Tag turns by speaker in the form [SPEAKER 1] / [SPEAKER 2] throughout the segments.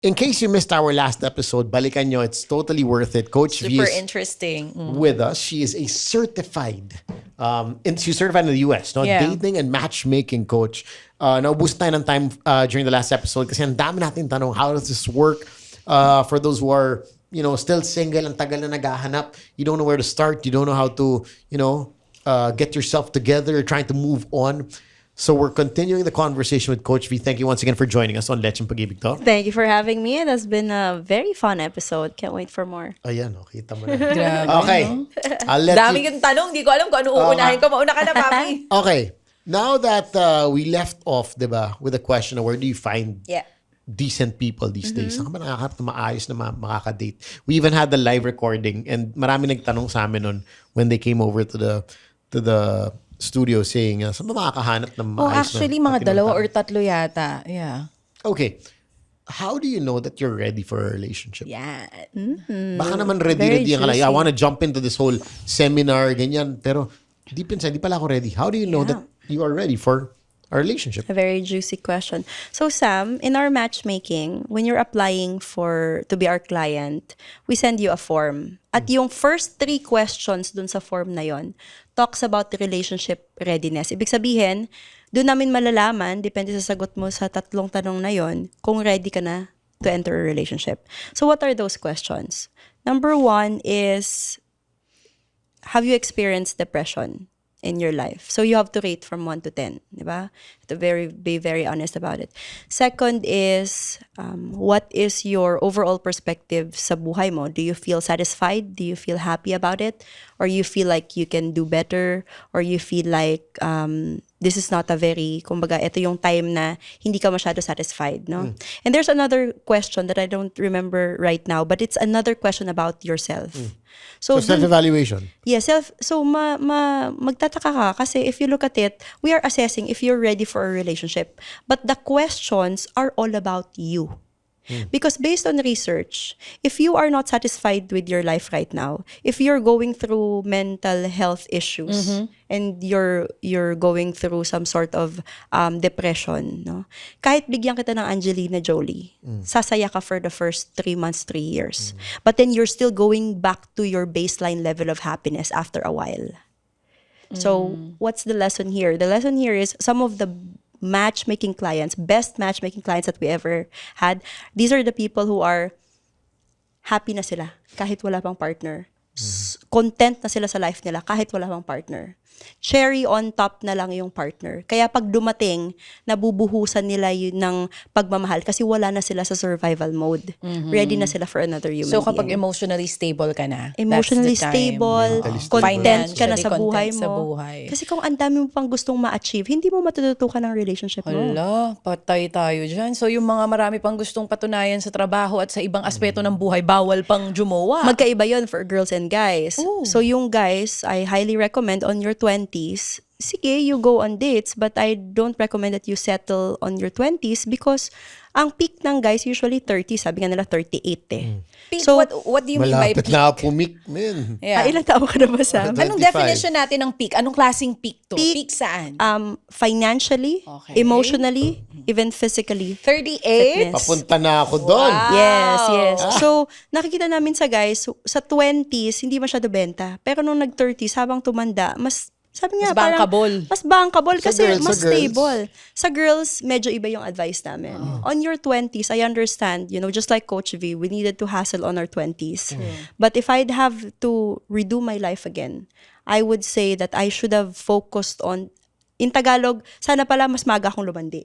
[SPEAKER 1] In case you missed our last episode, balikan nyo. It's totally worth it. Coach V
[SPEAKER 2] Super
[SPEAKER 1] is
[SPEAKER 2] interesting.
[SPEAKER 1] with us. She is a certified, she's certified in the US, no?
[SPEAKER 2] Yeah.
[SPEAKER 1] Dating and matchmaking coach. Naubos tayo ng time during the last episode kasi ang dami natin tanong, how does this work? For those who are, still single, ang tagal na naghahanap, you don't know where to start, you don't know how to, get yourself together, you're trying to move on. So we're continuing the conversation with Coach V. Thank you once again for joining us on Lecheng Pag-ibig to.
[SPEAKER 3] Thank you for having me. It has been a very fun episode. Can't wait for more.
[SPEAKER 1] Ayan, kita mo na.
[SPEAKER 2] Grabe,
[SPEAKER 1] Okay. I'll let
[SPEAKER 2] Dami
[SPEAKER 1] you...
[SPEAKER 2] yung tanong. Di ko alam kung ano uunahin ko. Mauna ka na, Papi.
[SPEAKER 1] Okay. Now that we left off, diba, with the question of where do you find
[SPEAKER 2] Yeah.
[SPEAKER 1] decent people these days? Saan ka ba nakakahanap na maayos na makakadate? We even had the live recording and marami nagtanong sa amin nun when they came over to the studio saying, saan ba makakahanap ng maayos na?
[SPEAKER 2] Actually, mga dalawa or tatlo yata. Yeah.
[SPEAKER 1] Okay. How do you know that you're ready for a relationship?
[SPEAKER 2] Yeah.
[SPEAKER 1] Baka naman ready ka lang. I want to jump into this whole seminar, ganyan. Pero deep inside, di pala ako ready. How do you know that you are ready for a relationship?
[SPEAKER 3] A very juicy question. So Sam, in our matchmaking, when you're applying to be our client, we send you a form. At yung first 3 questions dun sa form na yon talks about the relationship readiness. Ibig sabihin, doon namin malalaman, depende sa sagot mo sa 3 tanong na yon, kung ready ka na to enter a relationship. So what are those questions? Number 1 is, have you experienced depression in your life? So you have to rate from 1 to 10, di ba? To be very honest about it. Second is, what is your overall perspective sa buhay mo? Do you feel satisfied? Do you feel happy about it? Or you feel like you can do better? Or you feel like this is not a very, kumbaga, ito yung time na hindi ka masyado satisfied, no? And there's another question that I don't remember right now, but it's another question about yourself.
[SPEAKER 1] So self-evaluation.
[SPEAKER 3] Yeah, so magtataka ka kasi if you look at it, we are assessing if you're ready for a relationship. But the questions are all about you. Because based on research, if you are not satisfied with your life right now, if you're going through mental health issues and you're going through some sort of depression, no? Kahit bigyan kita ng Angelina Jolie, sasaya ka for the first 3 months, 3 years. But then you're still going back to your baseline level of happiness after a while. So what's the lesson here? The lesson here is some of the matchmaking clients, best matchmaking clients that we ever had, these are the people who are happy na sila kahit wala pang partner. Content na sila sa life nila kahit wala pang partner. Cherry on top na lang yung partner. Kaya pag dumating, nabubuhusan nila yun ng pagmamahal kasi wala na sila sa survival mode. Ready na sila for another human
[SPEAKER 2] So kapag
[SPEAKER 3] being.
[SPEAKER 2] emotionally stable ka na,
[SPEAKER 3] Emotionally
[SPEAKER 2] that's the time.
[SPEAKER 3] stable, content ka na
[SPEAKER 2] Financially
[SPEAKER 3] sa buhay
[SPEAKER 2] content
[SPEAKER 3] mo.
[SPEAKER 2] sa buhay.
[SPEAKER 3] Kasi kung ang dami mo pang gustong ma-achieve, hindi mo matututukan ng relationship mo.
[SPEAKER 2] Hala, patay tayo dyan. So yung mga marami pang gustong patunayan sa trabaho at sa ibang aspeto ng buhay, bawal pang jumowa.
[SPEAKER 3] Magkaiba yon for girls and guys.
[SPEAKER 2] Ooh.
[SPEAKER 3] So yung guys, I highly recommend on your 20s, sige, you go on dates, but I don't recommend that you settle on your 20s because ang peak ng guys usually 30, sabi nga nila 38 eh.
[SPEAKER 2] Peak,
[SPEAKER 3] So,
[SPEAKER 2] what do you mean by
[SPEAKER 1] Malapit
[SPEAKER 2] peak?
[SPEAKER 1] na pumik, man.
[SPEAKER 2] Yeah.
[SPEAKER 3] ilang taon ka na ba, Sam?
[SPEAKER 1] 25.
[SPEAKER 2] Anong definition natin ng peak? Anong klaseng peak to?
[SPEAKER 3] Peak,
[SPEAKER 2] Peak saan?
[SPEAKER 3] Financially,
[SPEAKER 2] Okay.
[SPEAKER 3] emotionally, even physically.
[SPEAKER 2] 38?
[SPEAKER 3] Fitness.
[SPEAKER 1] Papunta na ako doon.
[SPEAKER 3] Yes. So, nakikita namin sa guys, sa 20s, hindi masyado benta. Pero nung nag-30s, habang tumanda, sabi nga,
[SPEAKER 2] Mas bankable.
[SPEAKER 3] Mas bankable
[SPEAKER 1] Sa
[SPEAKER 3] kasi
[SPEAKER 1] girls,
[SPEAKER 3] mas
[SPEAKER 1] sa girls.
[SPEAKER 3] stable. Sa girls, medyo iba yung advice namin. On your 20s, I understand, just like Coach V, we needed to hustle on our 20s. But if I'd have to redo my life again, I would say that I should have focused on, in Tagalog, sana pala mas maga akong lumandi.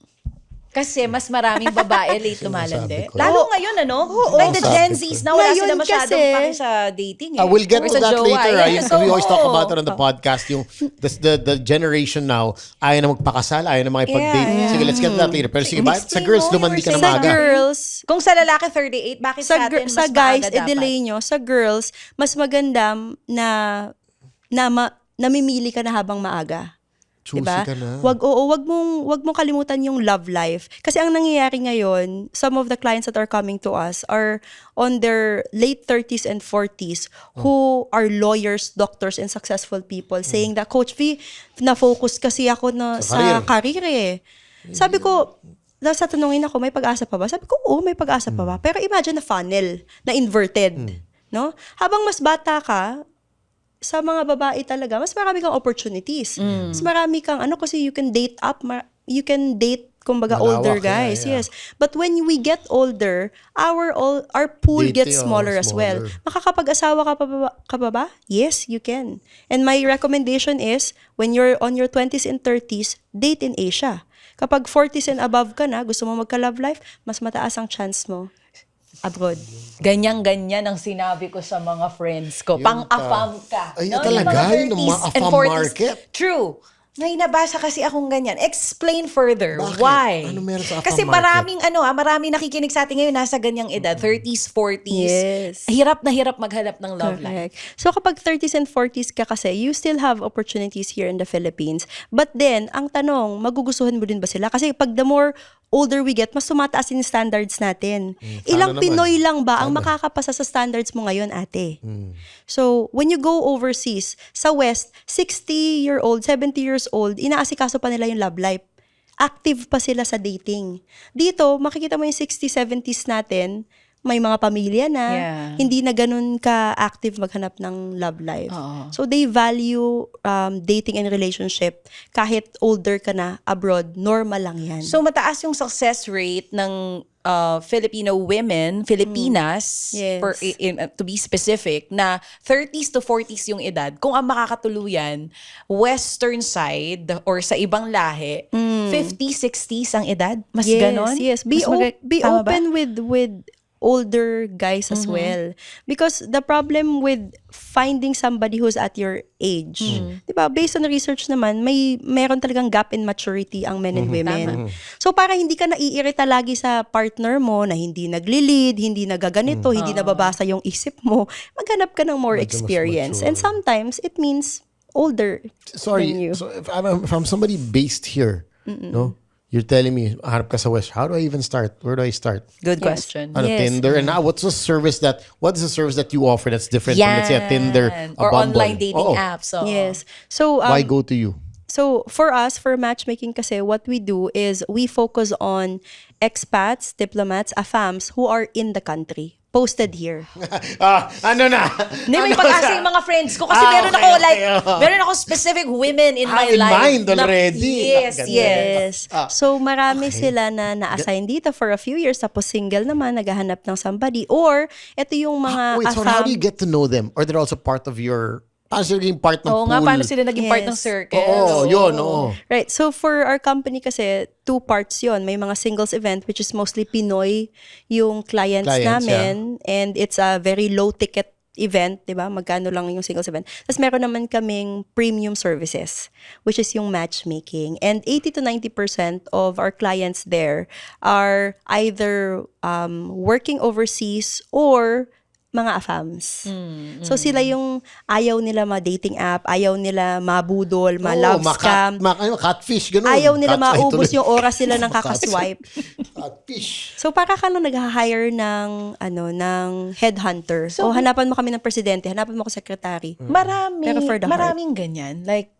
[SPEAKER 2] Kasi mas maraming babae late lumalandi.
[SPEAKER 1] Sinasabi ko.
[SPEAKER 2] Lalo ngayon, ano? Like the Gen
[SPEAKER 1] Sinasabi
[SPEAKER 2] Zs
[SPEAKER 1] ko.
[SPEAKER 2] na wala
[SPEAKER 3] Ngayon
[SPEAKER 2] sila masyadong
[SPEAKER 3] kasi-
[SPEAKER 2] paki sa dating eh.
[SPEAKER 1] We'll get
[SPEAKER 2] Or
[SPEAKER 1] to
[SPEAKER 2] sa
[SPEAKER 1] that
[SPEAKER 2] jowa.
[SPEAKER 1] later.
[SPEAKER 2] Yes,
[SPEAKER 1] We always talk
[SPEAKER 2] oo.
[SPEAKER 1] about it on the podcast. Yung the generation now, ayaw na magpakasal, ayaw na makipag-date.
[SPEAKER 2] Yeah.
[SPEAKER 1] Sige, let's get to that later. Pero sige, bakit sa
[SPEAKER 2] Explain
[SPEAKER 1] girls,
[SPEAKER 2] mo,
[SPEAKER 1] lumandi ka na
[SPEAKER 2] you were
[SPEAKER 3] Sa
[SPEAKER 2] saying.
[SPEAKER 1] maaga?
[SPEAKER 3] girls,
[SPEAKER 2] Kung sa lalaki 38, bakit sa atin mas
[SPEAKER 3] sa guys,
[SPEAKER 2] maaga dapat?
[SPEAKER 3] i-delay nyo. Sa girls, mas maganda na namimili ka na habang maaga.
[SPEAKER 1] Choosy
[SPEAKER 3] Diba?
[SPEAKER 1] ka na.
[SPEAKER 3] Wag mong kalimutan yung love life. Kasi ang nangyayari ngayon, some of the clients that are coming to us are on their late 30s and 40s who are lawyers, doctors, and successful people saying that, Coach V, na-focus kasi ako
[SPEAKER 1] Sa
[SPEAKER 3] sa career eh. Sabi ko, sa tanungin ako, may pag-asa pa ba? Sabi ko, oo, may pag-asa pa ba? Pero imagine na funnel, na inverted. No? Habang mas bata ka, sa mga babae talaga, mas marami kang opportunities. Mas marami kang, kasi you can date up, you can date, kumbaga,
[SPEAKER 1] Malawak,
[SPEAKER 3] older guys.
[SPEAKER 1] yeah.
[SPEAKER 3] Yes. But when we get older, our pool
[SPEAKER 1] Date,
[SPEAKER 3] gets smaller as well.
[SPEAKER 1] smaller.
[SPEAKER 3] Makakapag-asawa ka pa ba? Yes, you can. And my recommendation is, when you're on your 20s and 30s, date in Asia. Kapag 40s and above ka na, gusto mo magka-love life, mas mataas ang chance mo abroad.
[SPEAKER 2] Ganyan-ganyan ang sinabi ko sa mga friends ko. Pang-afam ka.
[SPEAKER 1] Ay,
[SPEAKER 2] No?
[SPEAKER 1] talaga,
[SPEAKER 2] Yung
[SPEAKER 1] yun ang mga
[SPEAKER 2] 30s and
[SPEAKER 1] afam
[SPEAKER 2] 40s.
[SPEAKER 1] market.
[SPEAKER 2] True. May nabasa kasi akong ganyan. Explain further.
[SPEAKER 1] Bakit?
[SPEAKER 2] Why?
[SPEAKER 1] Ano meron sa afam
[SPEAKER 2] Kasi
[SPEAKER 1] market?
[SPEAKER 2] maraming nakikinig sa atin ngayon nasa ganyang edad, 30s, 40s.
[SPEAKER 3] Yes.
[SPEAKER 2] Hirap na hirap maghanap ng love life.
[SPEAKER 3] Correct. So kapag 30s and 40s ka kasi, you still have opportunities here in the Philippines. But then, ang tanong, magugustuhan mo din ba sila? Kasi pag the more older we get, mas tumataas yung standards natin. Ilang
[SPEAKER 1] naman.
[SPEAKER 3] Pinoy lang ba ang makakapasa sa standards mo ngayon, ate? So, when you go overseas, sa West, 60-year-old, 70 years old, inaasikaso pa nila yung love life. Active pa sila sa dating. Dito, makikita mo yung 60s, 70s natin, may mga pamilya na,
[SPEAKER 2] Yeah.
[SPEAKER 3] hindi na ganun ka-active maghanap ng love life.
[SPEAKER 2] Oo.
[SPEAKER 3] So, they value dating and relationship. Kahit older ka na abroad, normal lang yan.
[SPEAKER 2] So mataas yung success rate ng Filipino women, Filipinas,
[SPEAKER 3] Yes.
[SPEAKER 2] to be specific, na 30s to 40s yung edad. Kung ang makakatuluyan, western side or sa ibang lahi, 50s, 60s ang edad? Mas ganon?
[SPEAKER 3] Yes. Be
[SPEAKER 2] Mas tama ba?
[SPEAKER 3] open with older guys as well. Because the problem with finding somebody who's at your age, di ba, based on research naman, meron talagang gap in maturity ang men and women. So para hindi ka naiirita lagi sa partner mo na hindi nagli-lead, hindi nagaganito, hindi nababasa yung isip mo, maghanap ka ng more
[SPEAKER 1] Medyo mas
[SPEAKER 3] experience.
[SPEAKER 1] mature.
[SPEAKER 3] And sometimes, it means older than
[SPEAKER 1] Sorry,
[SPEAKER 3] you.
[SPEAKER 1] so if I'm somebody based here, no? You're telling me, harap ka sa West. How do I even start? Where do I start?
[SPEAKER 2] Good
[SPEAKER 3] Yes.
[SPEAKER 2] question.
[SPEAKER 1] Ano,
[SPEAKER 3] Yes.
[SPEAKER 1] Tinder? And now, what is the service that you offer that's different from, let's say, a Tinder, a
[SPEAKER 2] Or
[SPEAKER 1] Bumble?
[SPEAKER 2] online dating
[SPEAKER 1] Oo.
[SPEAKER 2] apps. oo.
[SPEAKER 3] Yes. So,
[SPEAKER 1] Why go to you?
[SPEAKER 3] So for us, for matchmaking kasi, what we do is we focus on expats, diplomats, AFAMs who are in the country. Posted here.
[SPEAKER 1] Ano na?
[SPEAKER 2] Hindi, may
[SPEAKER 1] Ano
[SPEAKER 2] pag-asa
[SPEAKER 1] na?
[SPEAKER 2] yung mga friends ko. Kasi meron
[SPEAKER 1] okay,
[SPEAKER 2] ako,
[SPEAKER 1] okay, oo.
[SPEAKER 2] meron ako specific women in my
[SPEAKER 1] in
[SPEAKER 2] life.
[SPEAKER 1] mind already.
[SPEAKER 2] Yes,
[SPEAKER 1] Ganda.
[SPEAKER 2] yes.
[SPEAKER 3] So marami sila na na-assign dito for a few years, tapos single naman, naghahanap ng somebody. Or, ito yung mga
[SPEAKER 1] Wait, so how do you get to know them? Or they're also part of your... sila naging part ng
[SPEAKER 2] Oo
[SPEAKER 1] pool?
[SPEAKER 2] nga, paano sila naging part ng
[SPEAKER 3] Yes.
[SPEAKER 2] circle?
[SPEAKER 1] Oo, yun, oo.
[SPEAKER 3] Right. So for our company kasi, 2 parts yon. May mga singles event which is mostly Pinoy yung clients namin. And it's a very low ticket event, di ba? Magkano lang yung singles event. Tapos meron naman kaming premium services, which is yung matchmaking. And 80 to 90% of our clients there are either working overseas or mga AFAMs. So sila yung ayaw nila ma-dating app, ayaw nila mabudol, ma-love scam.
[SPEAKER 1] Catfish, ganun.
[SPEAKER 3] Ayaw nila
[SPEAKER 1] Ay,
[SPEAKER 3] maubos
[SPEAKER 1] tuloy.
[SPEAKER 3] yung oras nila ng kakaswipe.
[SPEAKER 1] Catfish.
[SPEAKER 3] So para ka lang nag-hire ng headhunter. So hanapan mo kami ng presidente, hanapan mo ko secretary. Pero for the
[SPEAKER 2] Maraming ganyan. Like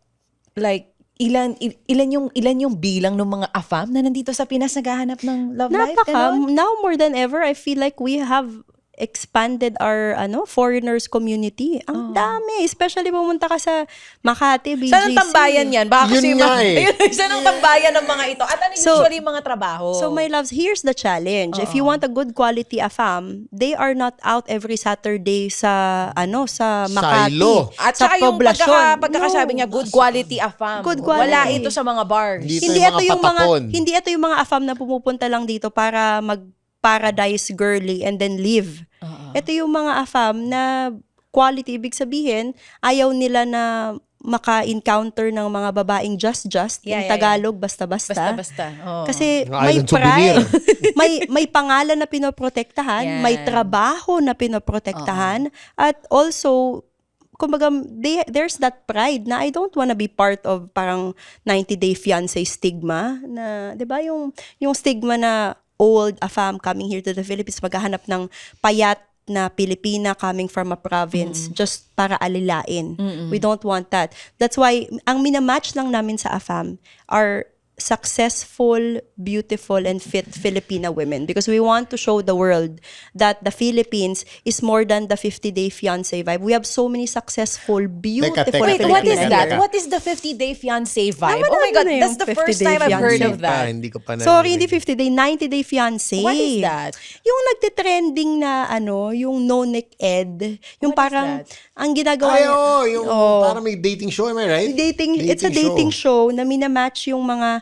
[SPEAKER 2] ilan yung bilang ng mga AFAM na nandito sa Pinas naghahanap ng love life? Ganon?
[SPEAKER 3] Now more than ever, I feel like we have expanded our foreigners community. Ang dami. Especially pumunta ka sa Makati, BGC.
[SPEAKER 2] Saan ang tambayan yan? Baka kasi
[SPEAKER 1] Yun nga
[SPEAKER 2] saan ang tambayan ng mga ito? At ano usually yung mga trabaho?
[SPEAKER 3] So my loves, here's the challenge. If you want a good quality AFAM, they are not out every Saturday sa Makati.
[SPEAKER 1] Silo.
[SPEAKER 2] At
[SPEAKER 3] sa
[SPEAKER 2] saka yung
[SPEAKER 3] poblasyon.
[SPEAKER 2] pagkakasabi niya, good quality AFAM.
[SPEAKER 3] Good quality.
[SPEAKER 2] Wala ito sa mga bars.
[SPEAKER 1] Hindi
[SPEAKER 3] Hindi ito yung mga AFAM na pumupunta lang dito para mag-paradise girly and then leave. Ito yung mga AFAM na quality, ibig sabihin, ayaw nila na maka-encounter ng mga babaeng just,
[SPEAKER 2] Yeah,
[SPEAKER 3] yung Tagalog, basta-basta.
[SPEAKER 2] Basta-basta. Oo.
[SPEAKER 3] Kasi
[SPEAKER 1] Yung
[SPEAKER 3] may
[SPEAKER 1] island souvenir.
[SPEAKER 3] pride, may pangalan na pinoprotektahan,
[SPEAKER 2] Yan.
[SPEAKER 3] may trabaho na pinoprotektahan, at also, kumbaga, there's that pride na I don't wanna be part of parang 90-day fiancé stigma na, 'di ba, yung stigma na old AFAM coming here to the Philippines, maghahanap ng payat na Pilipina coming from a province just para alilain. We don't want that. That's why ang minamatch lang namin sa AFAM are successful, beautiful, and fit Filipina women because we want to show the world that the Philippines is more than the 50-day fiancé vibe. We have so many successful, beautiful
[SPEAKER 1] teka,
[SPEAKER 2] Wait,
[SPEAKER 3] Filipina
[SPEAKER 2] what is
[SPEAKER 1] Teka,
[SPEAKER 2] that?
[SPEAKER 1] teka.
[SPEAKER 2] What is the 50-day fiancé vibe?
[SPEAKER 3] Naman
[SPEAKER 2] Oh my God,
[SPEAKER 3] na
[SPEAKER 2] that's
[SPEAKER 3] yung
[SPEAKER 2] the first
[SPEAKER 3] 50-day
[SPEAKER 2] time I've heard
[SPEAKER 3] fiancé.
[SPEAKER 2] of that.
[SPEAKER 1] Hindi ko pa
[SPEAKER 3] Sorry, hindi
[SPEAKER 1] narinig.
[SPEAKER 3] 50-day, 90-day fiancé.
[SPEAKER 2] What is that?
[SPEAKER 3] Yung nagte-trending na yung no-neck ed. Yung
[SPEAKER 2] What is
[SPEAKER 3] parang,
[SPEAKER 2] that?
[SPEAKER 3] ang ginagawa
[SPEAKER 1] Ay,
[SPEAKER 3] niya,
[SPEAKER 1] yung parang may dating show, am I right?
[SPEAKER 3] it's a dating show na minamatch yung mga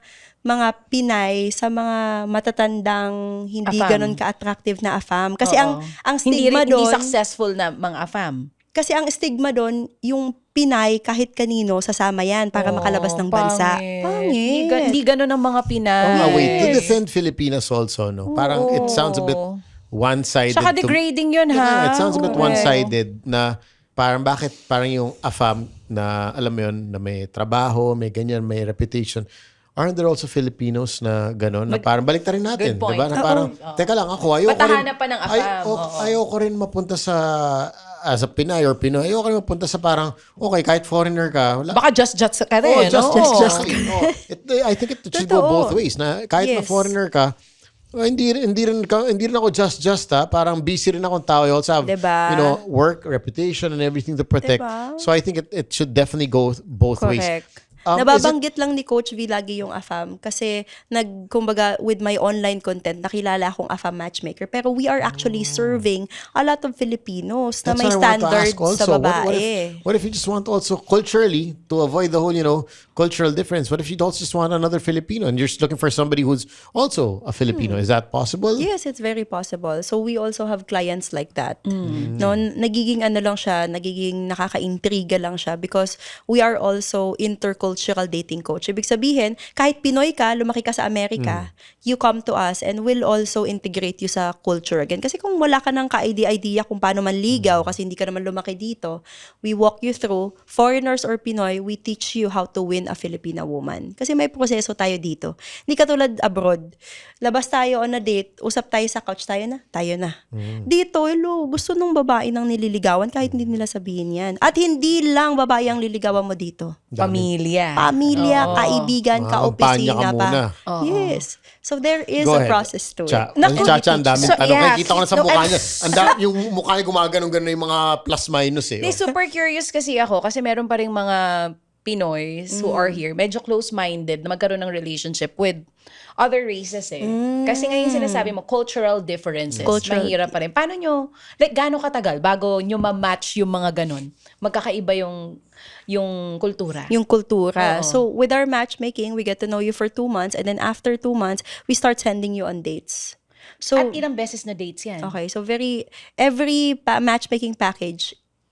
[SPEAKER 3] Pinay sa mga matatandang hindi
[SPEAKER 2] Afam.
[SPEAKER 3] ganon ka-attractive na afam. Kasi
[SPEAKER 2] Oo.
[SPEAKER 3] ang stigma
[SPEAKER 2] hindi
[SPEAKER 3] doon,
[SPEAKER 2] successful na mga afam.
[SPEAKER 3] kasi ang stigma doon, yung Pinay kahit kanino sasama yan para makalabas ng bansa. Pangit.
[SPEAKER 2] Hindi ganun ang mga Pinay.
[SPEAKER 1] Oh, nga, wait. To defend Filipinas also, no? Parang it sounds a bit one-sided.
[SPEAKER 2] Saka degrading yun, ha?
[SPEAKER 1] Yeah, it sounds a bit
[SPEAKER 2] Oo.
[SPEAKER 1] one-sided na parang bakit parang yung AFAM na alam mo yun, na may trabaho, may ganyan, may reputation. Aren't there also Filipinos na gano'n? Na parang balik rin natin.
[SPEAKER 2] Good point.
[SPEAKER 1] Diba? Na parang, teka lang, ako ayoko rin.
[SPEAKER 2] Patahanap pa ng AFAM, oo.
[SPEAKER 1] Ayoko rin mapunta sa as a Pinay or Pinoy. Ayoko rin mapunta sa parang, okay, kahit foreigner ka, wala.
[SPEAKER 2] Baka just ka
[SPEAKER 1] Oh,
[SPEAKER 2] rin.
[SPEAKER 1] just. I think it should go
[SPEAKER 3] Totoo.
[SPEAKER 1] both ways. Na kahit na
[SPEAKER 3] Yes.
[SPEAKER 1] foreigner ka, hindi rin ako just ha. Parang busy rin akong tao. I also have,
[SPEAKER 3] Diba?
[SPEAKER 1] work, reputation, and everything to protect.
[SPEAKER 3] Diba?
[SPEAKER 1] So I think it should definitely go both ways.
[SPEAKER 3] Correct.
[SPEAKER 1] Is
[SPEAKER 3] Nababanggit lang ni Coach V lagi yung AFAM kasi kumbaga with my online content nakilala akong AFAM matchmaker pero we are actually serving a lot of Filipinos na
[SPEAKER 1] That's
[SPEAKER 3] may
[SPEAKER 1] what I want to ask
[SPEAKER 3] standards sa
[SPEAKER 1] also.
[SPEAKER 3] babae.
[SPEAKER 1] What if you just want also culturally to avoid the whole, cultural difference? What if you also just want another Filipino and you're just looking for somebody who's also a Filipino? Is that possible?
[SPEAKER 3] Yes, it's very possible. So we also have clients like that. No, nagiging nagiging nakaka-intriga lang siya because we are also intercultural dating coach. Ibig sabihin, kahit Pinoy ka, lumaki ka sa Amerika, you come to us and we'll also integrate you sa culture again. Kasi kung wala ka ng ka-idea kung paano manligaw kasi hindi ka naman lumaki dito, we walk you through, foreigners or Pinoy, we teach you how to win a Filipina woman. Kasi may proseso tayo dito. Hindi katulad abroad. Labas tayo on a date, usap tayo sa couch, tayo na. Dito, gusto nung babae nang nililigawan kahit hindi nila sabihin yan. At hindi lang babae ang liligawan mo dito.
[SPEAKER 2] Pamilya.
[SPEAKER 3] Kaibigan,
[SPEAKER 1] Kampanya ka
[SPEAKER 3] kaopisina pa.
[SPEAKER 1] muna.
[SPEAKER 3] Yes. So there is
[SPEAKER 1] Go
[SPEAKER 3] a
[SPEAKER 1] ahead.
[SPEAKER 3] process to it.
[SPEAKER 1] Chacha, ang daming
[SPEAKER 2] So,
[SPEAKER 1] tanong.
[SPEAKER 2] yeah.
[SPEAKER 1] Kita ko na sa
[SPEAKER 2] No,
[SPEAKER 1] mukha
[SPEAKER 2] I'm-
[SPEAKER 1] niya. Yung mukha niya gumagano'n yung mga plus-minus eh.
[SPEAKER 2] Hindi, super curious kasi ako kasi meron pa rin mga Pinoys who are here, medyo close-minded na magkaroon ng relationship with other races eh. Kasi ngayon sinasabi mo, cultural differences. Mahirap pa rin. Paano nyo, gaano katagal bago nyo ma-match yung mga ganon? Magkakaiba yung kultura.
[SPEAKER 3] Yung kultura.
[SPEAKER 2] Oo.
[SPEAKER 3] So with our matchmaking, we get to know you for 2 months and then after 2 months, we start sending you on dates. So
[SPEAKER 2] At ilang beses na dates yan?
[SPEAKER 3] okay, so every matchmaking package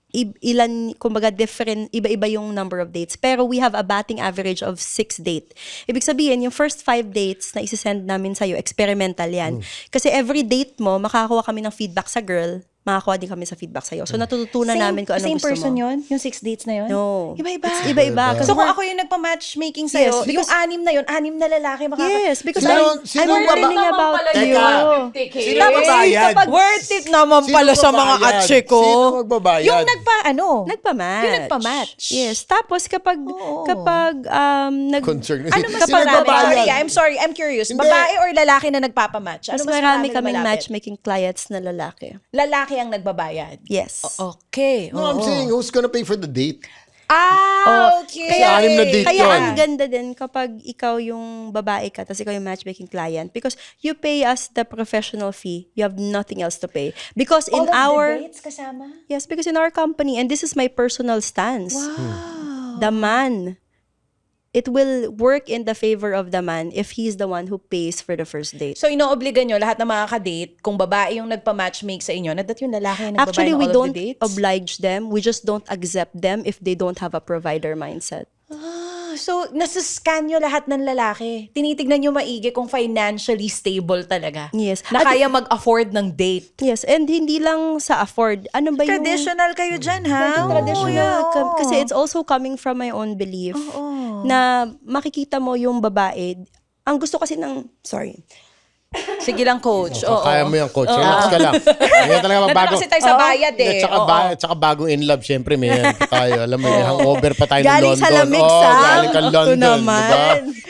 [SPEAKER 3] kumbaga different, iba-iba yung number of dates. Pero we have a batting average of 6 date. Ibig sabihin, yung first 5 dates na isi-send namin sa'yo, experimental yan. Kasi every date mo, makakakuha kami ng feedback sa girl, makakuha din kami sa feedback sa'yo. So natututunan namin kung anong
[SPEAKER 2] same
[SPEAKER 3] gusto
[SPEAKER 2] person
[SPEAKER 3] mo.
[SPEAKER 2] yun? Yung 6 dates na yun?
[SPEAKER 3] No.
[SPEAKER 2] Iba-iba.
[SPEAKER 3] It's iba-iba.
[SPEAKER 2] So kung ako yung nagpa-matchmaking sa'yo,
[SPEAKER 3] Yes, because-
[SPEAKER 2] yung 6 na yun, 6 na lalaki
[SPEAKER 3] Yes, because
[SPEAKER 1] Sino-
[SPEAKER 3] I'm
[SPEAKER 1] sino
[SPEAKER 3] learning
[SPEAKER 1] baba-
[SPEAKER 3] about you.
[SPEAKER 1] Teka. Sino
[SPEAKER 2] Tapos
[SPEAKER 1] magbabayad?
[SPEAKER 2] worth it naman
[SPEAKER 1] Sino
[SPEAKER 2] pala sa mga
[SPEAKER 1] magbabayad?
[SPEAKER 2] atse ko.
[SPEAKER 1] Sino magbabayad?
[SPEAKER 2] Yung
[SPEAKER 3] Nagpa-match.
[SPEAKER 2] Yung nagpa-match.
[SPEAKER 3] Yes. Tapos kapag
[SPEAKER 1] Concern.
[SPEAKER 2] Ano mas
[SPEAKER 1] Sino
[SPEAKER 2] marami?
[SPEAKER 1] magbabayad?
[SPEAKER 2] I'm sorry, I'm curious.
[SPEAKER 1] Hindi.
[SPEAKER 2] Babae or lalaki na nagpapamatch? Ano
[SPEAKER 3] mas
[SPEAKER 2] mas
[SPEAKER 3] marami
[SPEAKER 2] na
[SPEAKER 3] kaming
[SPEAKER 2] malapit?
[SPEAKER 3] matchmaking clients na lalaki.
[SPEAKER 2] Lalaki ang nagbabayad.
[SPEAKER 3] Yes.
[SPEAKER 2] Okay.
[SPEAKER 1] No, I'm saying, who's gonna pay for the date?
[SPEAKER 2] Okay.
[SPEAKER 1] Kaya- anim na date
[SPEAKER 3] Kaya
[SPEAKER 1] yun.
[SPEAKER 3] ang ganda din kapag ikaw yung babae ka tapos ikaw yung matchmaking client because you pay us the professional fee. You have nothing else to pay. Because in
[SPEAKER 2] All of
[SPEAKER 3] our
[SPEAKER 2] the dates kasama?
[SPEAKER 3] Yes, because in our company and this is my personal stance.
[SPEAKER 2] Wow.
[SPEAKER 3] The man, it will work in the favor of the man if he's the one who pays for the first date.
[SPEAKER 2] So, inoobliga nyo lahat ng mga ka-date, kung babae yung nagpa-matchmake sa inyo, na that yung lalaki yung nagbabayad
[SPEAKER 3] Actually,
[SPEAKER 2] ng
[SPEAKER 3] we
[SPEAKER 2] all
[SPEAKER 3] don't
[SPEAKER 2] of the dates?
[SPEAKER 3] oblige them. We just don't accept them if they don't have a provider mindset.
[SPEAKER 2] So, nasascan nyo lahat ng lalaki. Tinitignan nyo maigi kung financially stable talaga.
[SPEAKER 3] Yes.
[SPEAKER 2] Na
[SPEAKER 3] At-
[SPEAKER 2] kaya mag-afford ng date.
[SPEAKER 3] Yes, and hindi lang sa afford. Ano ba yung...
[SPEAKER 2] Traditional kayo dyan, ha?
[SPEAKER 3] Traditional.
[SPEAKER 2] Oo.
[SPEAKER 3] Kasi it's also coming from my own belief na makikita mo yung babae. Ang gusto kasi ng... Sorry.
[SPEAKER 2] Sige lang, coach. Oo.
[SPEAKER 1] Kaya mo yung coach. Relax ka lang. Ganyan talaga
[SPEAKER 2] Nandun
[SPEAKER 1] bago.
[SPEAKER 2] kasi tayo sa bayad eh.
[SPEAKER 1] Tsaka bago in love, syempre may yan pa tayo. Alam mo, may hangover pa tayo ng
[SPEAKER 3] Galing
[SPEAKER 1] London.
[SPEAKER 3] sa lamig,
[SPEAKER 1] Oh,
[SPEAKER 3] Sam.
[SPEAKER 1] galing ka
[SPEAKER 3] Ito
[SPEAKER 1] London.
[SPEAKER 3] naman.
[SPEAKER 1] Diba?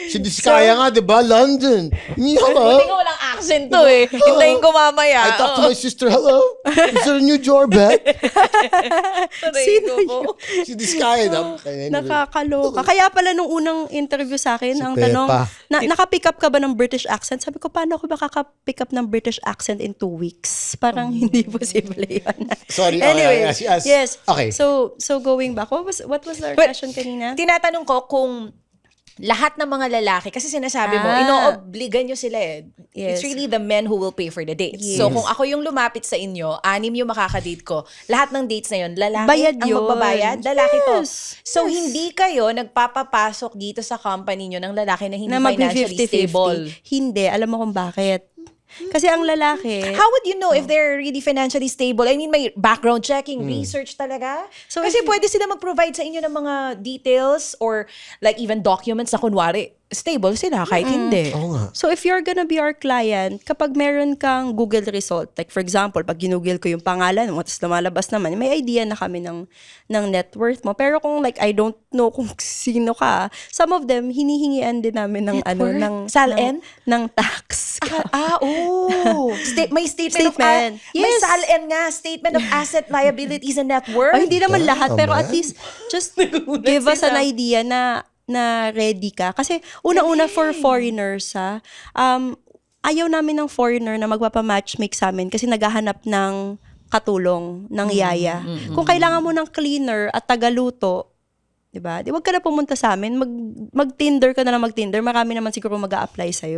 [SPEAKER 1] Si Diskaya nga, di ba? London. Hello.
[SPEAKER 2] Buti nga walang accent to eh. Hintayin ko mamaya.
[SPEAKER 1] I talked to my sister. Hello. Is there a new doorbell?
[SPEAKER 2] Sino
[SPEAKER 1] Si Diskaya.
[SPEAKER 3] Nakakaloka. Kaya pala nung unang interview sa akin, ang
[SPEAKER 1] Pepa.
[SPEAKER 3] tanong, naka-pick up ka ba ng British accent? Sabi ko, paano ako makaka-pick up ng British accent in 2 weeks? Parang hindi posible yun.
[SPEAKER 1] Sorry.
[SPEAKER 3] Anyway, yes.
[SPEAKER 1] Okay.
[SPEAKER 3] So going back, what was the question kanina?
[SPEAKER 2] Tinatanong ko kung lahat ng mga lalaki, kasi sinasabi mo, inoobligan nyo sila eh.
[SPEAKER 3] Yes.
[SPEAKER 2] It's really the men who will pay for the dates.
[SPEAKER 3] Yes.
[SPEAKER 2] So kung ako yung lumapit sa inyo, 6 yung makakadate ko, lahat ng dates na yun, lalaki
[SPEAKER 3] Bayad
[SPEAKER 2] ang
[SPEAKER 3] yun.
[SPEAKER 2] magbabayad, lalaki to.
[SPEAKER 3] Yes.
[SPEAKER 2] So hindi kayo nagpapapasok dito sa company nyo ng lalaki na hindi
[SPEAKER 3] Na
[SPEAKER 2] financially stable.
[SPEAKER 3] Hindi. Alam mo kung bakit? Kasi ang lalaki,
[SPEAKER 2] How would you know if they're really financially stable? I mean, may background checking, research talaga.
[SPEAKER 3] So
[SPEAKER 2] Kasi
[SPEAKER 3] if-
[SPEAKER 2] pwede sila mag-provide sa inyo ng mga details or like even documents na kunwari, stable sila kahit hindi.
[SPEAKER 1] Oo nga.
[SPEAKER 3] so if you're gonna be our client, kapag meron kang Google result, like for example, pag ginugil ko yung pangalan mo, tapos lumalabas naman, may idea na kami ng net worth mo. Pero kung like, I don't know kung sino ka, some of them, hinihingian din namin ng
[SPEAKER 2] Net worth?
[SPEAKER 3] ng
[SPEAKER 2] Sal-en?
[SPEAKER 3] ng tax.
[SPEAKER 2] May statement.
[SPEAKER 3] Statement.
[SPEAKER 2] May
[SPEAKER 3] Yes.
[SPEAKER 2] SALN nga, statement of asset, liabilities, and net worth.
[SPEAKER 3] Oh, hindi naman lahat, pero at
[SPEAKER 1] man.
[SPEAKER 3] least just give us an idea na ready ka. Kasi una-una for foreigners, ayaw namin ng foreigner na magpapamatchmake sa amin kasi naghahanap ng katulong, ng yaya. Kung kailangan mo ng cleaner at tagaluto, 'di ba? Di wag ka na pumunta sa amin, mag-Tinder ka na lang mag-Tinder, marami naman siguro mag-a-apply sa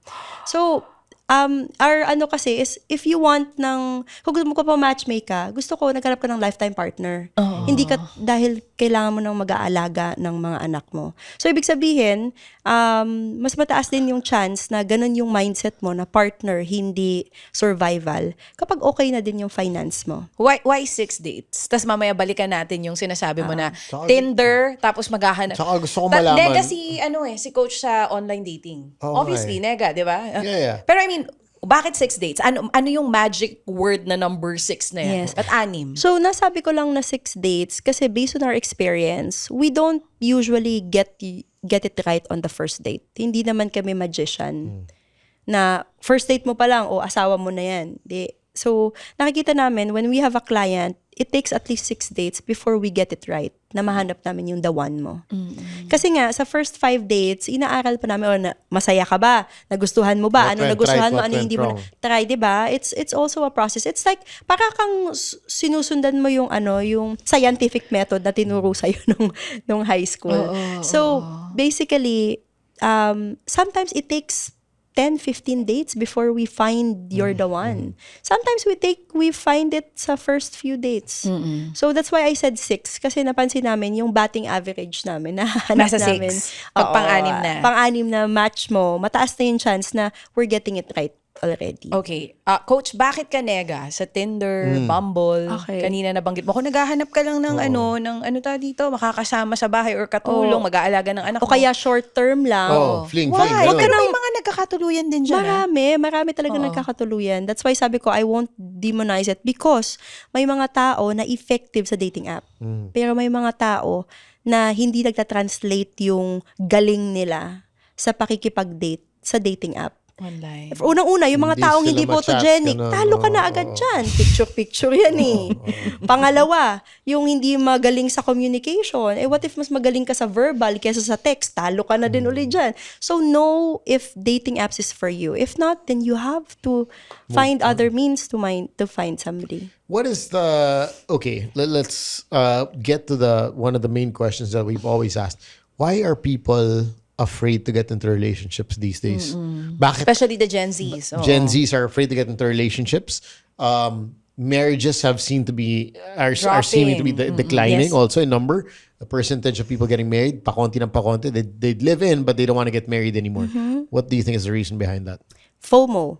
[SPEAKER 3] So, our ano kasi is, if you want kung gusto mo pa matchmake ka, gusto ko naghanap ka ng lifetime partner. Hindi ka, dahil kailangan mo nang mag-aalaga ng mga anak mo. So, ibig sabihin, mas mataas din yung chance na ganun yung mindset mo na partner, hindi survival, kapag okay na din yung finance mo.
[SPEAKER 2] Why 6 dates? Tapos mamaya balikan natin yung sinasabi mo na
[SPEAKER 1] Tsaka-
[SPEAKER 2] Tinder, tapos maghahanap.
[SPEAKER 1] Tsaka gusto ko malaman.
[SPEAKER 2] Nega si coach sa online dating.
[SPEAKER 1] Oo,
[SPEAKER 2] Obviously, nega, di ba?
[SPEAKER 1] Yeah.
[SPEAKER 2] Pero I mean, bakit 6 dates? Ano yung magic word na number 6 na yan?
[SPEAKER 3] Yes.
[SPEAKER 2] At 6?
[SPEAKER 3] So, nasabi ko lang na 6 dates kasi based on our experience, we don't usually get it right on the first date. Hindi naman kami magician na first date mo pa lang, o asawa mo na yan. So, nakikita namin, when we have a client, it takes at least 6 dates before we get it right, na mahanap namin yung the one mo. Kasi nga, sa first 5 dates, inaaral pa namin, masaya ka ba? Nagustuhan mo ba?
[SPEAKER 1] What
[SPEAKER 3] Ano
[SPEAKER 1] went
[SPEAKER 3] nagustuhan
[SPEAKER 1] right,
[SPEAKER 3] mo?
[SPEAKER 1] what
[SPEAKER 3] Ano
[SPEAKER 1] went
[SPEAKER 3] hindi mo
[SPEAKER 1] wrong?
[SPEAKER 3] try, di ba? It's also a process. It's like, para kang sinusundan mo yung yung scientific method na tinuro sa'yo nung high school. So, basically, sometimes it takes 10-15 dates before we find you're the one. Sometimes we find it sa first few dates. So that's why I said 6 kasi napansin namin yung batting average namin na
[SPEAKER 2] Nasa
[SPEAKER 3] namin.
[SPEAKER 2] 6. Pag pang-anim na.
[SPEAKER 3] Pang-anim na match mo, mataas na yung chance na we're getting it right already.
[SPEAKER 2] Okay. Coach, bakit ka nega? Sa Tinder, Bumble,
[SPEAKER 3] Okay.
[SPEAKER 2] kanina nabanggit mo. Kung naghahanap ka lang ng ano dito, makakasama sa bahay or katulong, mag-aalaga ng anak
[SPEAKER 3] O kaya short term lang.
[SPEAKER 1] Fling.
[SPEAKER 2] Why?
[SPEAKER 1] ganun.
[SPEAKER 2] Pero may mga nagkakatuluyan din dyan.
[SPEAKER 3] Marami talaga nagkakatuluyan. That's why sabi ko, I won't demonize it because may mga tao na effective sa dating app. Pero may mga tao na hindi nagta-translate yung galing nila sa pakikipag-date sa dating app.
[SPEAKER 2] Online.
[SPEAKER 3] Unang-una, yung mga
[SPEAKER 1] Hindi
[SPEAKER 3] taong
[SPEAKER 1] sila
[SPEAKER 3] hindi
[SPEAKER 1] ma-chat,
[SPEAKER 3] photogenic,
[SPEAKER 1] ganun.
[SPEAKER 3] talo ka na agad dyan. Picture-picture yan eh. Pangalawa, yung hindi magaling sa communication. What if mas magaling ka sa verbal kaysa sa text? Talo ka na din ulit dyan. So, know if dating apps is for you. If not, then you have to find other means to find somebody.
[SPEAKER 1] What is okay, let's get to one of the main questions that we've always asked. Why are people afraid to get into relationships these days? Bakit
[SPEAKER 2] Especially the Gen Zs. Oo.
[SPEAKER 1] Gen Zs are afraid to get into relationships? Marriages are seeming to be declining
[SPEAKER 3] Yes.
[SPEAKER 1] also in number. The percentage of people getting married, pakonti ng pakonti. They live in, but they don't want to get married anymore. What do you think is the reason behind that?
[SPEAKER 3] FOMO.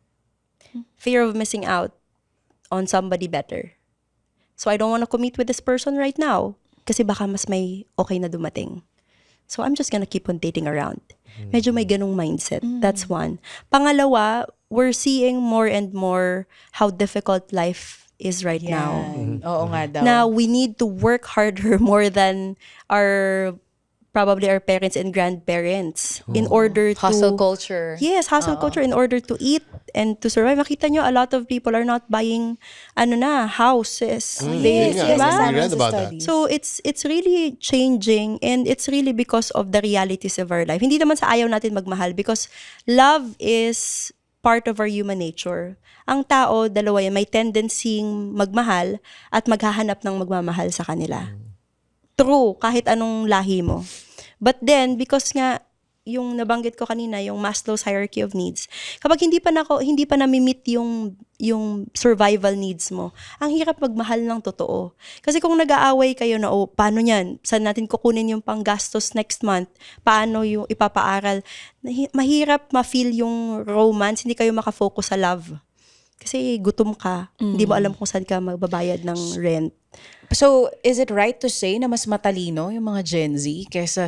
[SPEAKER 3] Fear of missing out on somebody better. So, I don't want to commit with this person right now kasi baka mas may okay na dumating. So, I'm just gonna keep on dating around. Medyo may ganung mindset. That's one. Pangalawa, we're seeing more and more how difficult life is right now.
[SPEAKER 2] Oo nga daw.
[SPEAKER 3] Now, we need to work harder more than our probably our parents and grandparents in order to
[SPEAKER 2] Hustle culture.
[SPEAKER 3] Yes, hustle culture in order to eat and to survive. Makita nyo, a lot of people are not buying houses.
[SPEAKER 1] Yes,
[SPEAKER 3] Diba?
[SPEAKER 1] we read about that.
[SPEAKER 3] So it's really changing, and it's really because of the realities of our life. Hindi naman sa ayaw natin magmahal, because love is part of our human nature. Ang tao, dalawa yan, may tendencying magmahal at maghahanap ng magmamahal sa kanila. True, kahit anong lahi mo. But then, because nga, yung nabanggit ko kanina, yung Maslow's hierarchy of needs, kapag hindi pa na-meet yung survival needs mo, ang hirap magmahal ng totoo. Kasi kung nag-aaway kayo na, paano yan? Saan natin kukunin yung panggastos next month? Paano yung ipapaaral? Mahirap ma-feel yung romance, hindi kayo makafocus sa love. Kasi gutom ka, hindi mo alam kung saan ka magbabayad ng rent.
[SPEAKER 2] So, is it right to say na mas matalino yung mga Gen Z kaysa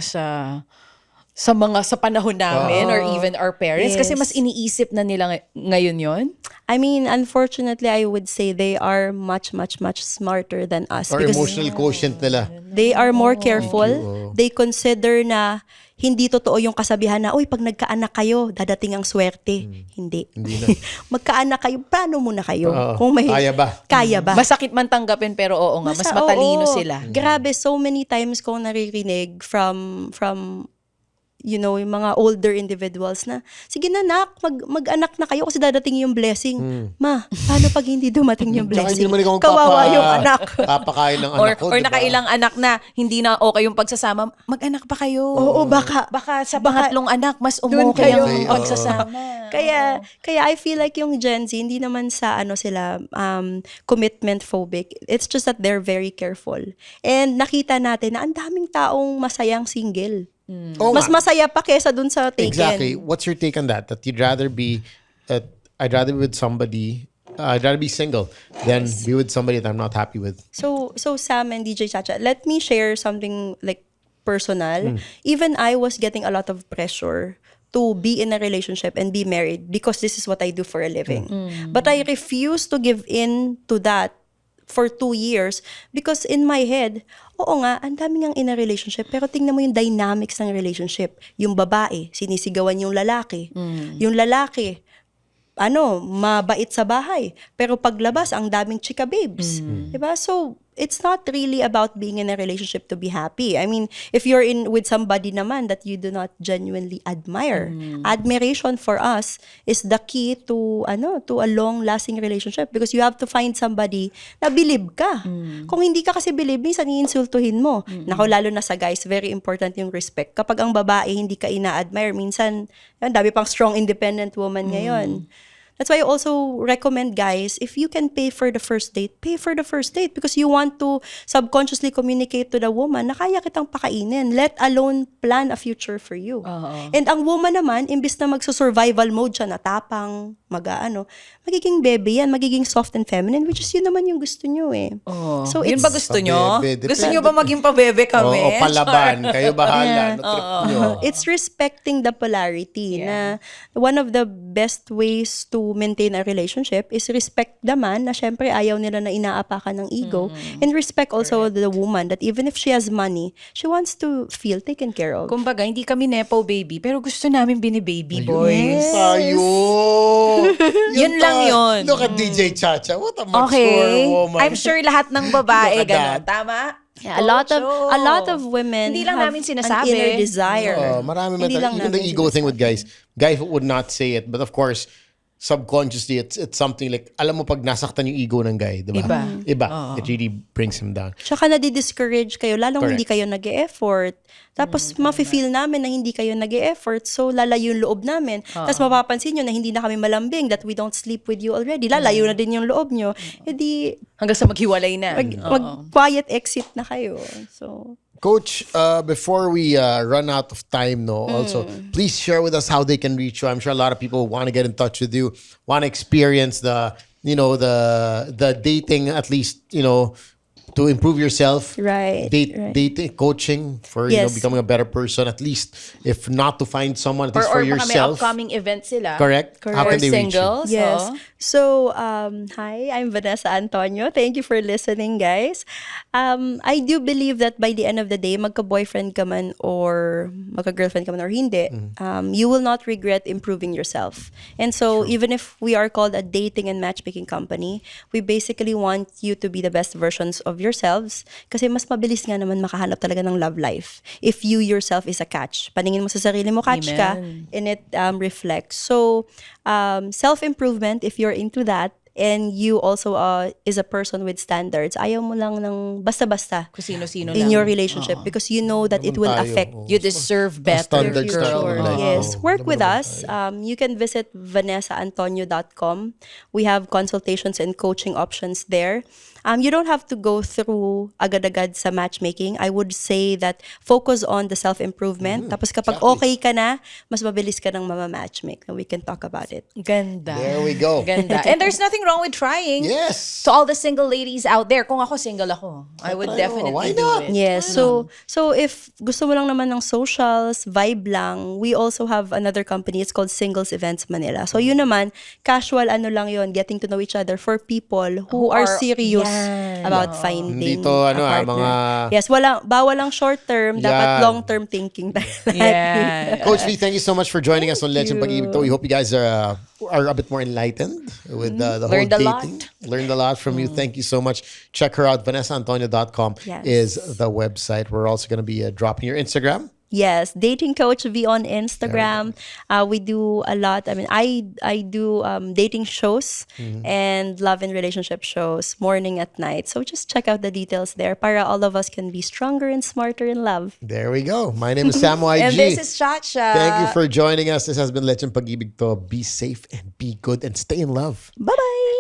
[SPEAKER 2] sa panahon namin or even our parents?
[SPEAKER 3] Yes.
[SPEAKER 2] Kasi mas iniisip na nila ngayon yon.
[SPEAKER 3] I mean, unfortunately, I would say they are much, much, much smarter than us.
[SPEAKER 1] Or
[SPEAKER 3] because
[SPEAKER 1] emotional quotient nila.
[SPEAKER 3] they are more careful. They consider na hindi totoo yung kasabihan na, pag nagkaanak kayo, dadating ang swerte. Hindi.
[SPEAKER 1] Hindi na.
[SPEAKER 3] Magkaanak kayo, plano muna kayo.
[SPEAKER 1] Oo.
[SPEAKER 3] Kung
[SPEAKER 1] Kaya ba?
[SPEAKER 3] Kaya ba?
[SPEAKER 2] Masakit man tanggapin pero oo nga, mas matalino
[SPEAKER 3] oo.
[SPEAKER 2] sila.
[SPEAKER 3] Grabe, so many times kong naririnig from yung mga older individuals na, sige na nak, mag-anak na kayo kasi dadating yung blessing. Ma, paano pag hindi dumating yung
[SPEAKER 1] Tsaka
[SPEAKER 3] blessing?
[SPEAKER 1] hindi naman ikaw
[SPEAKER 3] Kawawa yung anak.
[SPEAKER 1] Papakain ng
[SPEAKER 2] Or,
[SPEAKER 1] anak ko.
[SPEAKER 2] or
[SPEAKER 1] diba?
[SPEAKER 2] nakailang anak na hindi na okay yung pagsasama, mag-anak pa kayo.
[SPEAKER 3] Oo, baka
[SPEAKER 2] Sa pangatlong anak, mas umokay
[SPEAKER 3] kayo.
[SPEAKER 2] ang pagsasama.
[SPEAKER 3] Kaya I feel like yung Gen Z, hindi naman sa sila commitment phobic. It's just that they're very careful. And nakita natin na ang daming taong masayang single.
[SPEAKER 1] Oo
[SPEAKER 3] Mas
[SPEAKER 1] nga.
[SPEAKER 3] masaya pa kesa dun sa taken.
[SPEAKER 1] Exactly. What's your take on that? That you'd rather be, I'd rather be with somebody, I'd rather be single than be with somebody that I'm not happy with.
[SPEAKER 3] So Sam and DJ Chacha, let me share something like personal. Even I was getting a lot of pressure to be in a relationship and be married because this is what I do for a living. But I refuse to give in to that for 2 years because in my head, oo nga, ang dami ngang in a relationship, pero tingnan mo yung dynamics ng relationship. Yung babae, sinisigawan yung lalaki. Yung lalaki, mabait sa bahay. Pero paglabas, ang daming chika babes. Diba? So, it's not really about being in a relationship to be happy. I mean, if you're in with somebody naman that you do not genuinely admire, admiration for us is the key to a long-lasting relationship because you have to find somebody na believe ka. Kung hindi ka kasi believe, minsan iinsultuhin mo. Nako, lalo na sa guys, very important yung respect. Kapag ang babae hindi ka ina-admire, minsan, dami pang strong independent woman ngayon. That's why I also recommend guys, if you can pay for the first date, pay for the first date because you want to subconsciously communicate to the woman na kaya kitang pakainin, let alone plan a future for you. And ang woman naman, imbis na magso-survival mode siya, natapang, magiging baby yan, magiging soft and feminine, which is yun naman yung gusto nyo eh.
[SPEAKER 2] So yun ba gusto nyo?
[SPEAKER 1] Pabebe,
[SPEAKER 2] Gusto nyo ba maging pabebe kami?
[SPEAKER 1] O palaban. Kayo bahala. No, trip nyo.
[SPEAKER 3] It's respecting the polarity na one of the best ways to maintain a relationship is respect the man na syempre ayaw nila na inaapakan ng ego and respect also the woman that even if she has money, she wants to feel taken care of.
[SPEAKER 2] Kumbaga, hindi kami nepo baby, pero gusto namin bini-baby boys.
[SPEAKER 1] Tayo.
[SPEAKER 2] Yun lang yun.
[SPEAKER 1] Look at DJ Chacha. What a mature
[SPEAKER 2] Okay.
[SPEAKER 1] woman.
[SPEAKER 2] I'm sure lahat ng babae
[SPEAKER 1] Look at
[SPEAKER 2] gano'n.
[SPEAKER 1] that.
[SPEAKER 2] Tama?
[SPEAKER 3] Yeah, a lot of women
[SPEAKER 2] Hindi lang
[SPEAKER 3] have
[SPEAKER 2] namin
[SPEAKER 3] an
[SPEAKER 2] sinasabi.
[SPEAKER 3] inner desire.
[SPEAKER 1] Marami
[SPEAKER 3] Hindi lang
[SPEAKER 1] even the
[SPEAKER 3] namin
[SPEAKER 1] ego thing with guys would not say it, but of course subconsciously it's something like alam mo pag nasaktan yung ego ng guy, diba? Iba. It really brings him down.
[SPEAKER 3] Tsaka nadi-discourage kayo, lalong
[SPEAKER 1] Correct.
[SPEAKER 3] hindi kayo nag-e-effort. Tapos mafe-feel namin na hindi kayo nag-e-effort, so lalayo yung loob namin. Tapos mapapansin nyo na hindi na kami malambing, that we don't sleep with you already. Lalayo na din yung loob nyo. E di,
[SPEAKER 2] Hanggang sa maghiwalay na.
[SPEAKER 3] mag-quiet exit na kayo. So,
[SPEAKER 1] Coach, before we run out of time, also please share with us how they can reach you. I'm sure a lot of people want to get in touch with you, want to experience the dating, at least to improve yourself.
[SPEAKER 3] Right, right.
[SPEAKER 1] Dating, coaching for
[SPEAKER 3] Yes.
[SPEAKER 1] becoming a better person. At least, if not to find someone, at least for
[SPEAKER 2] Or baka may
[SPEAKER 1] yourself.
[SPEAKER 2] upcoming event sila.
[SPEAKER 1] Correct. How
[SPEAKER 2] Or
[SPEAKER 1] can they reach you?
[SPEAKER 2] singles.
[SPEAKER 3] Yes.
[SPEAKER 2] oo.
[SPEAKER 3] So, hi, I'm Vanessa Antonio. Thank you for listening, guys. I do believe that by the end of the day, magka-boyfriend ka man or magka-girlfriend ka man or hindi, you will not regret improving yourself. And so, even if we are called a dating and matchmaking company, we basically want you to be the best versions of yourselves kasi mas mabilis nga naman makahanap talaga ng love life if you yourself is a catch. Paningin mo sa sarili mo, catch ka,
[SPEAKER 2] Amen.
[SPEAKER 3] and it reflects. So, self-improvement, if you're into that, and you also is a person with standards, ayaw mo lang ng basta-basta
[SPEAKER 2] Kung sino-sino
[SPEAKER 3] in
[SPEAKER 2] lang.
[SPEAKER 3] your relationship because you know that it will
[SPEAKER 1] tayo,
[SPEAKER 3] affect
[SPEAKER 1] oo.
[SPEAKER 2] You deserve better,
[SPEAKER 1] standards
[SPEAKER 2] girl.
[SPEAKER 1] tayo,
[SPEAKER 3] Sure.
[SPEAKER 1] like,
[SPEAKER 3] Yes. Work
[SPEAKER 1] naman
[SPEAKER 3] with
[SPEAKER 1] naman
[SPEAKER 3] us. You can visit vanessaantonio.com. We have consultations and coaching options there. You don't have to go through agad-agad sa matchmaking. I would say that focus on the self-improvement. Tapos kapag okay ka na, mas mabilis ka ng mama-matchmake. We can talk about it.
[SPEAKER 2] Ganda.
[SPEAKER 1] There we go.
[SPEAKER 2] Ganda. And there's nothing wrong with trying.
[SPEAKER 1] Yes.
[SPEAKER 2] To all the single ladies out there, kung ako single ako, I would
[SPEAKER 1] Try mo.
[SPEAKER 2] definitely
[SPEAKER 1] Why
[SPEAKER 2] do
[SPEAKER 1] not?
[SPEAKER 2] it.
[SPEAKER 3] Yes. So if gusto mo lang naman ng socials, vibe lang, we also have another company. It's called Singles Events Manila. So yun naman, casual ano lang yun, getting to know each other for people who are serious
[SPEAKER 2] yan.
[SPEAKER 3] about finding
[SPEAKER 1] Hindi to,
[SPEAKER 3] a
[SPEAKER 1] ano,
[SPEAKER 3] partner.
[SPEAKER 1] mga-
[SPEAKER 3] Yes, bawal lang short term, dapat
[SPEAKER 1] Yan.
[SPEAKER 3] long term thinking tayo.
[SPEAKER 2] Yeah.
[SPEAKER 1] Coach V, thank you so much for joining us on Legend Pag-ibig To. We hope you guys are a bit more enlightened with the whole
[SPEAKER 2] Learned a
[SPEAKER 1] dating.
[SPEAKER 2] lot.
[SPEAKER 1] Learned a lot from you. Thank you so much. Check her out. VanessaAntonio.com
[SPEAKER 3] Yes.
[SPEAKER 1] is the website. We're also going to be dropping your Instagram.
[SPEAKER 3] Yes, Dating Coach V on Instagram. We do a lot. I mean, I do dating shows and love and relationship shows morning at night. So just check out the details there para all of us can be stronger and smarter in love.
[SPEAKER 1] There we go. My name is Samo IG.
[SPEAKER 2] And this is Chacha.
[SPEAKER 1] Thank you for joining us. This has been Legend Pag-ibig To. Be safe and be good and stay in love.
[SPEAKER 3] Bye-bye!